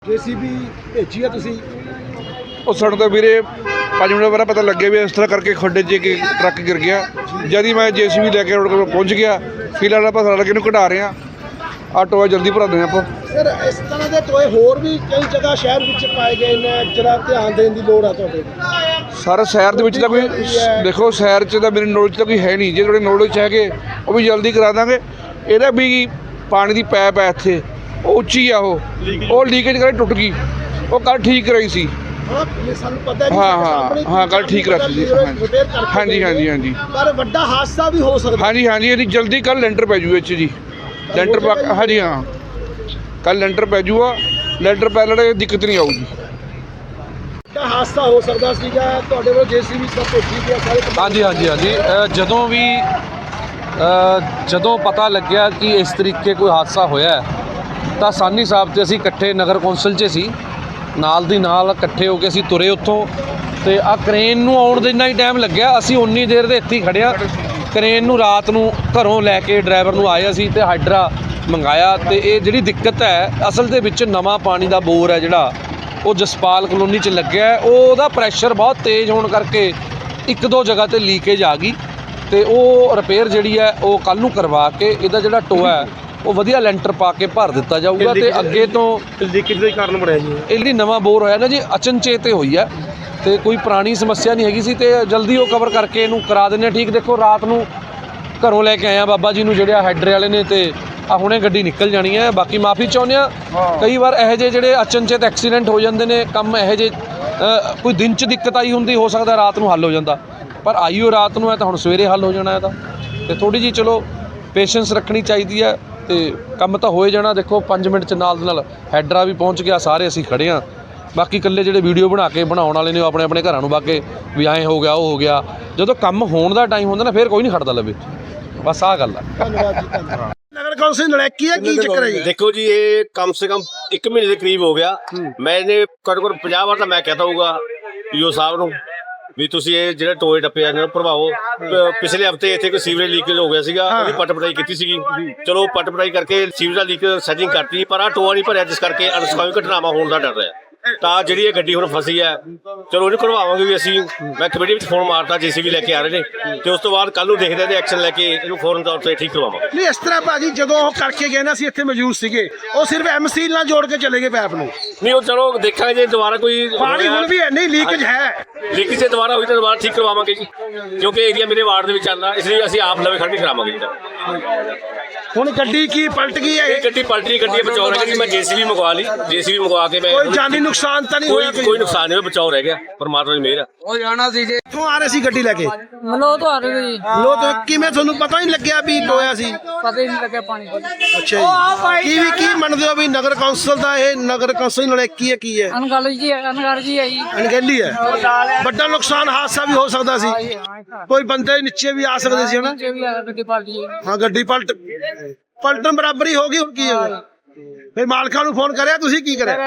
JCB भेजी है तुसी ਉਹ ਸਾਨੂੰ ਤਾਂ ਵੀਰੇ 5 ਮਿੰਟ ਬਾਅਦ ਪਤਾ ਲੱਗਿਆ ਵੀ ਇਸ ਤਰ੍ਹਾਂ ਕਰਕੇ ਖੱਡੇ 'ਚ ਇੱਕ ਟਰੱਕ ਗਿਰ ਗਿਆ। ਜਦ ਹੀ ਮੈਂ JCB ਲੈ ਕੇ ਰੋਡ ਕੋਲ ਪਹੁੰਚ ਗਿਆ। ਫਿਲਹਾਲ ਆਪਾਂ ਸਾਰਾ ਲੱਗੇ ਨੂੰ ਕਢਾ ਰਹੇ ਹਾਂ। ਆਹ ਟੋਆ ਜਲਦੀ ਭਰਾ ਦੇਣਾ ਆਪਾਂ। ਸਰ ਇਸ ਤਰ੍ਹਾਂ ਦੇ ਟੋਏ ਹੋਰ ਵੀ ਕਈ ਜਗ੍ਹਾ ਸ਼ਹਿਰ ਵਿੱਚ ਪਾਏ ਗਏ ਨੇ, ਜਰਾ ਧਿਆਨ ਦੇਣ ਦੀ ਲੋੜ ਆ ਤੁਹਾਡੇ। ਸਾਰਾ ਸ਼ਹਿਰ ਦੇ ਵਿੱਚ ਤਾਂ ਕੋਈ ਦੇਖੋ, ਸ਼ਹਿਰ 'ਚ ਤਾਂ ਮੇਰੇ ਨੌਲੇਜ ਤਾਂ ਕੋਈ ਹੈ ਨਹੀਂ। ਜੇ ਤੁਹਾਡੇ ਨੌਲੇਜ 'ਚ ਹੈਗੇ ਉਹ ਵੀ ਜਲਦੀ ਕਰਾ ਦਾਂਗੇ। ਇਹਦਾ ਵੀ ਪਾਣੀ ਦੀ ਪਾਈਪ ਹੈ ਇੱਥੇ, ਉਹ ਉੱਚੀ ਆ, ਉਹ ਲੀਕੇਜ ਕਰਕੇ ਟੁੱਟ ਗਈ। ਉਹ ਕੱਲ੍ਹ ਠੀਕ ਕਰਾਈ ਸੀ। ਸਾਨੂੰ ਪਤਾ ਹਾਂ ਕੱਲ ਠੀਕ ਰੱਖੀ ਸੀ। ਹਾਂਜੀ ਪਰ ਵੱਡਾ ਹਾਦਸਾ ਵੀ ਹੋ ਸਕਦਾ। ਹਾਂਜੀ ਇਹਦੀ ਜਲਦੀ ਕੱਲ ਲੈਂਟਰ ਪੈ ਜੂ ਜੀ। ਲੈਂਟਰ ਪਾ ਹਾਂਜੀ ਹਾਂ ਕੱਲ ਲੈਂਟਰ ਪੈ ਜੂਗਾ। ਲੈਂਟਰ ਪੈ ਲੜੇ ਦਿੱਕਤ ਨਹੀਂ ਆਊਗੀ। ਵੱਡਾ ਹਾਦਸਾ ਹੋ ਸਕਦਾ ਸੀਗਾ। ਤੁਹਾਡੇ ਕੋਲ JCB ਸਭ ਭੇਜੀ ਗਿਆ ਸਾਰੇ। ਹਾਂਜੀ ਜਦੋਂ ਪਤਾ ਲੱਗਿਆ ਕਿ ਇਸ ਤਰੀਕੇ ਕੋਈ ਹਾਦਸਾ ਹੋਇਆ ਤਾਂ ਸਾਨੀ ਸਾਹਿਬ ਤੇ ਅਸੀਂ ਇਕੱਠੇ ਨਗਰ ਕੌਂਸਲ 'ਚ ਸੀ, ਨਾਲ ਦੀ ਨਾਲ ਇਕੱਠੇ ਹੋ ਕੇ ਅਸੀਂ ਤੁਰੇ ਉੱਥੋਂ। ਤੇ ਆ ਕ੍ਰੇਨ ਨੂੰ ਆਉਣ ਦੇ ਇੰਨਾ ਹੀ ਟਾਈਮ ਲੱਗਿਆ, ਅਸੀਂ ਉਨੀ ਦੇਰ ਦੇ ਇੱਥੇ ਹੀ ਖੜਿਆ। ਕ੍ਰੇਨ ਨੂੰ ਰਾਤ ਨੂੰ ਘਰੋਂ ਲੈ ਕੇ ਡਰਾਈਵਰ ਨੂੰ ਆਏ ਅਸੀਂ ਤੇ ਹਾਈਡਰਾ ਮੰਗਾਇਆ। ਤੇ ਇਹ ਜਿਹੜੀ ਦਿੱਕਤ ਹੈ ਅਸਲ ਦੇ ਵਿੱਚ ਨਵਾਂ ਪਾਣੀ ਦਾ ਬੋਰ ਹੈ ਜਿਹੜਾ ਉਹ ਜਸਪਾਲ ਕਲੋਨੀ 'ਚ ਲੱਗਿਆ। ਉਹਦਾ ਪ੍ਰੈਸ਼ਰ ਬਹੁਤ ਤੇਜ਼ ਹੋਣ ਕਰਕੇ ਇੱਕ ਦੋ ਜਗ੍ਹਾ ਤੇ ਲੀਕੇਜ ਆ ਗਈ ਤੇ ਉਹ ਰਿਪੇਅਰ ਜਿਹੜੀ ਹੈ ਉਹ ਕੱਲ੍ਹ ਨੂੰ ਕਰਵਾ ਕੇ ਇਹਦਾ ਜਿਹੜਾ ਟੋਆ ਹੈ ਉਹ ਵਧੀਆ ਲੈਂਟਰ ਪਾ ਕੇ ਭਰ ਦਿੱਤਾ ਜਾਊਗਾ। ਤੇ ਅੱਗੇ ਤੋਂ ਲੀਕੇਜ ਦਾ ਕਾਰਨ ਬਣਿਆ ਜੀ ਇਹ ਜਿਹੜੀ ਨਵਾਂ ਬੋਰ ਹੋਇਆ ਨਾ ਜੀ, ਅਚਨਚੇਤ ਹੋਈ ਹੈ ਤੇ ਕੋਈ ਪੁਰਾਣੀ ਸਮੱਸਿਆ ਨਹੀਂ ਹੈਗੀ ਸੀ ਤੇ ਜਲਦੀ ਉਹ ਕਵਰ ਕਰਕੇ ਇਹਨੂੰ ਕਰਾ ਦਿੰਦੇ ਹਾਂ ਠੀਕ। ਦੇਖੋ ਰਾਤ ਨੂੰ ਘਰੋਂ ਲੈ ਕੇ ਆਇਆ ਬਾਬਾ ਜੀ ਨੂੰ ਜਿਹੜੇ ਹਾਈਡਰੇ ਵਾਲੇ ਨੇ ਤੇ ਆ ਹੁਣੇ ਗੱਡੀ ਨਿਕਲ ਜਾਣੀ ਹੈ। ਬਾਕੀ ਮਾਫੀ ਚਾਹੁੰਦੇ ਹਾਂ, ਕਈ ਵਾਰ ਇਹੋ ਜਿਹੇ ਜਿਹੜੇ ਅਚਨਚੇਤ ਐਕਸੀਡੈਂਟ ਹੋ ਜਾਂਦੇ ਨੇ, ਕੰਮ ਇਹੋ ਜਿਹੇ ਕੋਈ ਦਿਨ 'ਚ ਦਿੱਕਤ ਆਈ ਹੁੰਦੀ, ਹੋ ਸਕਦਾ ਰਾਤ ਨੂੰ ਹੱਲ ਹੋ ਜਾਂਦਾ, ਪਰ ਆਈਓ ਰਾਤ ਨੂੰ ਹੈ ਤਾਂ ਹੁਣ ਸਵੇਰੇ ਹੱਲ ਹੋ ਜਾਣਾ ਇਹਦਾ। ਤੇ ਥੋੜ੍ਹੀ ਜਿਹੀ ਚਲੋ ਪੇਸ਼ੈਂਸ ਰੱਖਣੀ ਚਾਹੀਦੀ ਹੈ ਤੇ ਕੰਮ ਤਾਂ ਹੋਏ ਜਾਣਾ। ਦੇਖੋ 5 ਮਿੰਟ 'ਚ ਨਾਲ ਦੇ ਨਾਲ ਹੈਡਰਾ ਵੀ ਪਹੁੰਚ ਗਿਆ, ਸਾਰੇ ਅਸੀਂ ਖੜ੍ਹੇ ਹਾਂ। ਬਾਕੀ ਇਕੱਲੇ ਜਿਹੜੇ ਵੀਡੀਓ ਬਣਾਉਣ ਵਾਲੇ ਨੇ ਉਹ ਆਪਣੇ ਆਪਣੇ ਘਰਾਂ ਨੂੰ ਬਾਗੇ ਵੀ ਐਂ ਹੋ ਗਿਆ ਉਹ ਹੋ ਗਿਆ। ਜਦੋਂ ਕੰਮ ਹੋਣ ਦਾ ਟਾਈਮ ਹੁੰਦਾ ਨਾ ਫਿਰ ਕੋਈ ਨਹੀਂ ਖੜਦਾ ਲਵੇ। ਬਸ ਆਹ ਗੱਲ ਆ। ਧੰਨਵਾਦ ਜੀ ਧੰਨਵਾਦ। ਨਗਰ ਕੌਂਸਲ ਨਲੈਕੀ ਹੈ, ਕੀ ਚੱਕਰ ਹੈ ਜੀ? देखो जी, ये कम से कम 1 महीने के करीब हो गया। मैंने ਘੱਟੋ ਘੱਟ 50 ਵਾਰ ਤਾਂ ਮੈਂ ਕਹਤਾ ਹੋਊਗਾ ਈਓ ਸਾਹਿਬ ਨੂੰ ਵੀ ਤੁਸੀਂ ਇਹ ਜਿਹੜੇ ਟੋਏ ਟੱਪੇ ਆ ਭਰਵਾਓ। ਪਿਛਲੇ ਹਫਤੇ ਇੱਥੇ ਕੋਈ ਸੀਵਰੇਜ ਲੀਕੇਜ ਹੋ ਗਿਆ ਸੀਗਾ, ਉਹਦੀ ਪੱਟ ਪਟਾਈ ਕੀਤੀ ਸੀਗੀ। ਚਲੋ ਪੱਟ ਪਟਾਈ ਕਰਕੇ ਸੀਵਰੇਜ ਦਾ ਲੀਕ ਸੈਟਿੰਗ ਕਰਤੀ, ਪਰ ਆ ਟੋਆ ਨਹੀਂ ਭਰਿਆ, ਜਿਸ ਕਰਕੇ ਅਨਸਕਾਮੀ ਘਟਨਾਵਾਂ ਹੋਣ ਦਾ ਡਰ ਰਿਹਾ। ਤਾਂ ਜਿਹੜੀ ਇਹ ਗੱਡੀ ਹੁਣ ਫਸੀ ਹੈ, ਚਲੋ ਇਹਨੂੰ ਕਢਵਾਵਾਂਗੇ ਵੀ ਅਸੀਂ। ਮੈਂ ਕਮੇਟੀ ਵਿੱਚ ਫੋਨ ਮਾਰਤਾ, JCB ਲੈ ਕੇ ਆ ਰਹੇ ਨੇ ਤੇ ਉਸ ਤੋਂ ਬਾਅਦ ਕੱਲ ਨੂੰ ਦੇਖਦੇ ਤੇ ਐਕਸ਼ਨ ਲੈ ਕੇ ਇਹਨੂੰ ਫੌਰਨ ਤੌਰ ਤੇ ਠੀਕ ਕਰਵਾਵਾਂਗੇ। ਨਹੀਂ ਇਸ ਤਰ੍ਹਾਂ ਭਾਜੀ, ਜਦੋਂ ਉਹ ਕਰਕੇ ਗਏ ਨਾ, ਅਸੀਂ ਇੱਥੇ ਮੌਜੂਦ ਸੀਗੇ, ਉਹ ਸਿਰਫ MC ਨਾਲ ਜੋੜ ਕੇ ਚਲੇ ਗਏ ਪੈਪ ਨੂੰ। ਨਹੀਂ ਉਹ ਚਲੋ ਦੇਖਾਂਗੇ ਜੇ ਦੁਬਾਰਾ ਕੋਈ ਪਾਣੀ ਹੁਣ ਵੀ ਨਹੀਂ ਲੀਕੇਜ ਹੈ। ਲੀਕੇਜ ਜੇ ਦੁਬਾਰਾ ਹੋਈ ਤਾਂ ਦੁਬਾਰਾ ਠੀਕ ਕਰਵਾਵਾਂਗੇ ਜੀ, ਕਿਉਂਕਿ ਏਰੀਆ ਮੇਰੇ ਵਾਰਡ ਦੇ ਵਿੱਚ ਆਉਂਦਾ, ਇਸ ਲਈ ਅਸੀਂ ਆਪ ਲਵੇ ਖੜ ਕੇ ਕਰਾਵਾਂਗੇ ਜੀ। ਹੁਣ ਗੱਡੀ ਕੀ ਪਲਟ ਗਈ ਹੈ? ਇਹ ਗੱਡੀ ਪਲਟੀ, ਗੱਡੀ ਬਚਾਓ ਰਹਿ ਗਿਆ ਜੀ। ਮੈਂ JCB ਮੰਗਵਾ ਲਈ, JCB ਮੰਗਵਾ ਕੇ ਮੈਂ ਕੋਈ ਜਾਨੀ ਨੁਕਸਾਨ ਤਾਂ ਨਹੀਂ ਹੋਇਆ? ਕੋਈ ਨੁਕਸਾਨ ਨਹੀਂ, ਬਚਾਓ ਰਹਿ ਗਿਆ, ਪਰਮਾਤਮਾ ਦੀ ਮਿਹਰ ਆ। ਉਹ ਜਾਣਾ ਸੀ ਜੀ, ਕਿੱਥੋਂ ਆ ਰਹੇ ਸੀ ਗੱਡੀ ਲੈ ਕੇ? ਮਲੋ ਤੋਂ ਆ ਰਹੇ ਜੀ। ਲੋ ਤੇ ਕਿਵੇਂ ਤੁਹਾਨੂੰ ਪਤਾ ਨਹੀਂ ਲੱਗਿਆ ਵੀ ਟੋਇਆ ਸੀ? ਪਤਾ ਹੀ ਨਹੀਂ ਲੱਗਿਆ ਪਾਣੀ ਕੋਲ। ਅੱਛਾ ਜੀ, ਕੀ ਮੰਨਦੇ ਹੋ ਵੀ ਨਗਰ ਕੌਂਸਲ ਦਾ ਇਹ ਨਗਰ ਕੌਂਸਲ ਨਲੈਕੀ ਹੈ, ਕੀ ਹੈ? ਅਨਗਲ ਜੀ ਹੈ ਜੀ। ਅਣਗਹਿਲੀ ਹੈ। ਵੱਡਾ ਨੁਕਸਾਨ ਹਾਦਸਾ ਵੀ ਹੋ ਸਕਦਾ ਸੀ, ਕੋਈ ਬੰਦੇ ਨੀਚੇ ਵੀ ਆ ਸਕਦੇ ਸੀ ਹਨਾ। ਨੀਚੇ ਵੀ ਆ ਗੱਡੀ ਪਾਲਟੀ ਹਾਂ ਗੱਡੀ ਪਲਟਣ ਬਰਾਬਰੀ ਹੋ ਗਈ। ਹੁਣ ਕੀ ਹੋਗਾ? ਫਿਰ ਮਾਲਕਾਂ ਨੂੰ ਫੋਨ ਕਰਿਆ, ਤੁਸੀਂ ਕੀ ਕਰਿਆ?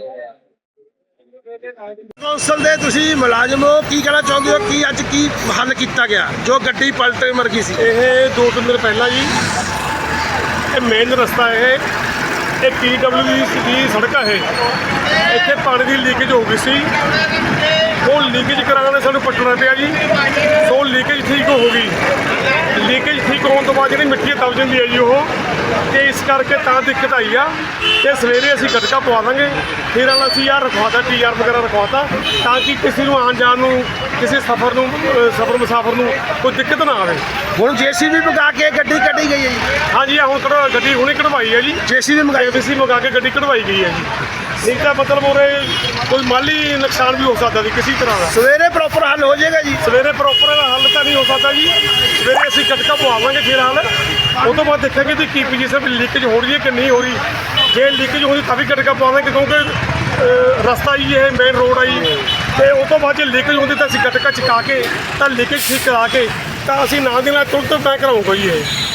ਕੌਂਸਲ ਦੇ ਤੁਸੀਂ ਮੁਲਾਜ਼ਮ ਹੋ, ਕੀ ਕਹਿਣਾ ਚਾਹੁੰਦੇ ਹੋ? ਕੀ ਅੱਜ ਕੀ ਹੱਲ ਕੀਤਾ ਗਿਆ ਜੋ ਗੱਡੀ ਪਲਟ ਮਰ ਗਈ ਸੀ? ਇਹ 2-3 ਦਿਨ ਪਹਿਲਾਂ ਜੀ, ਇਹ ਮੇਨ ਰਸਤਾ ਇਹ PWD ਦੀ ਸੜਕ ਹੈ। ਇੱਥੇ ਪਾਣੀ ਦੀ ਲੀਕੇਜ ਹੋ ਗਈ ਸੀ, ਉਹ ਲੀਕੇਜ ਕਰਾਉਣ ਸਾਨੂੰ ਪੱਟਣਾ ਪਿਆ ਜੀ। ਸੋ ਲੀਕੇਜ ਠੀਕ ਹੋ ਗਈ। ਲੀਕੇਜ ਠੀਕ ਹੋਣ ਤੋਂ ਬਾਅਦ ਜਿਹੜੀ ਮਿੱਟੀ ਦਬ ਜਾਂਦੀ ਹੈ ਜੀ ਉਹ, ਤੇ ਇਸ ਕਰਕੇ ਤਾਂ ਦਿੱਕਤ ਆਈ ਆ। ਤੇ ਸਵੇਰੇ ਅਸੀਂ ਗਟਕਾ ਪਵਾ ਦਾਂਗੇ, ਫਿਰ ਅਸੀਂ ਆਹ ਰਖਵਾਤਾ TR ਵਗੈਰਾ ਰਖਵਾਤਾ, ਤਾਂ ਕਿ ਕਿਸੇ ਨੂੰ ਆਉਣ ਜਾਣ ਨੂੰ, ਕਿਸੇ ਸਫਰ ਮੁਸਾਫਰ ਨੂੰ ਕੋਈ ਦਿੱਕਤ ਨਾ ਆਵੇ। ਹੁਣ JCB ਮੰਗਾ ਕੇ ਗੱਡੀ ਕੱਢੀ ਗਈ ਹੈ ਜੀ? ਹਾਂਜੀ, ਹੁਣ ਗੱਡੀ ਹੁਣੇ ਕਢਵਾਈ ਹੈ ਜੀ। JCB ਮੰਗਾ ਕੇ ਗੱਡੀ ਕਢਵਾਈ ਗਈ ਹੈ ਜੀ। ਨਹੀਂ ਤਾਂ ਮਤਲਬ ਉਰੇ ਕੋਈ ਮਾਲੀ ਨੁਕਸਾਨ ਵੀ ਹੋ ਸਕਦਾ ਸੀ ਕਿਸੇ ਤਰ੍ਹਾਂ ਦਾ। ਸਵੇਰੇ ਪ੍ਰੋਪਰ ਹੱਲ ਹੋ ਜਾਏਗਾ ਜੀ? ਸਵੇਰੇ ਪ੍ਰੋਪਰ ਹੱਲ ਤਾਂ ਨਹੀਂ ਹੋ ਸਕਦਾ ਜੀ। ਸਵੇਰੇ ਅਸੀਂ ਗਟਕਾ ਪਵਾਵਾਂਗੇ ਫਿਰ ਹੱਲ। ਉਹ ਤੋਂ ਬਾਅਦ ਦੇਖਾਂਗੇ ਕਿ ਕੀ ਪੋਜੀਸ਼ਨ ਵੀ ਲੀਕੇਜ ਹੋ ਰਹੀ ਹੈ ਕਿ ਨਹੀਂ ਹੋ ਰਹੀ। ਜੇ ਲੀਕੇਜ ਹੋ ਰਹੀ ਤਾਂ ਵੀ ਗਟਕਾ ਪਵਾਵਾਂਗੇ, ਕਿਉਂਕਿ ਰਸਤਾ ਹੀ ਇਹ ਮੇਨ ਰੋਡ ਆਈ। ਤੇ ਉਹ ਤੋਂ ਬਾਅਦ ਜੇ ਲੀਕੇਜ ਹੁੰਦੀ ਤਾਂ ਅਸੀਂ ਗਟਕਾ ਚੁਕਾ ਕੇ ਤਾਂ ਲੀਕੇਜ ਠੀਕ ਕਰਾ ਕੇ ਤਾਂ ਅਸੀਂ ਨਾਲ ਦੀ ਨਾਲ ਤੁਰੰਤ ਮੈਂ ਕਰਾਉਂਗਾ ਜੀ ਇਹ।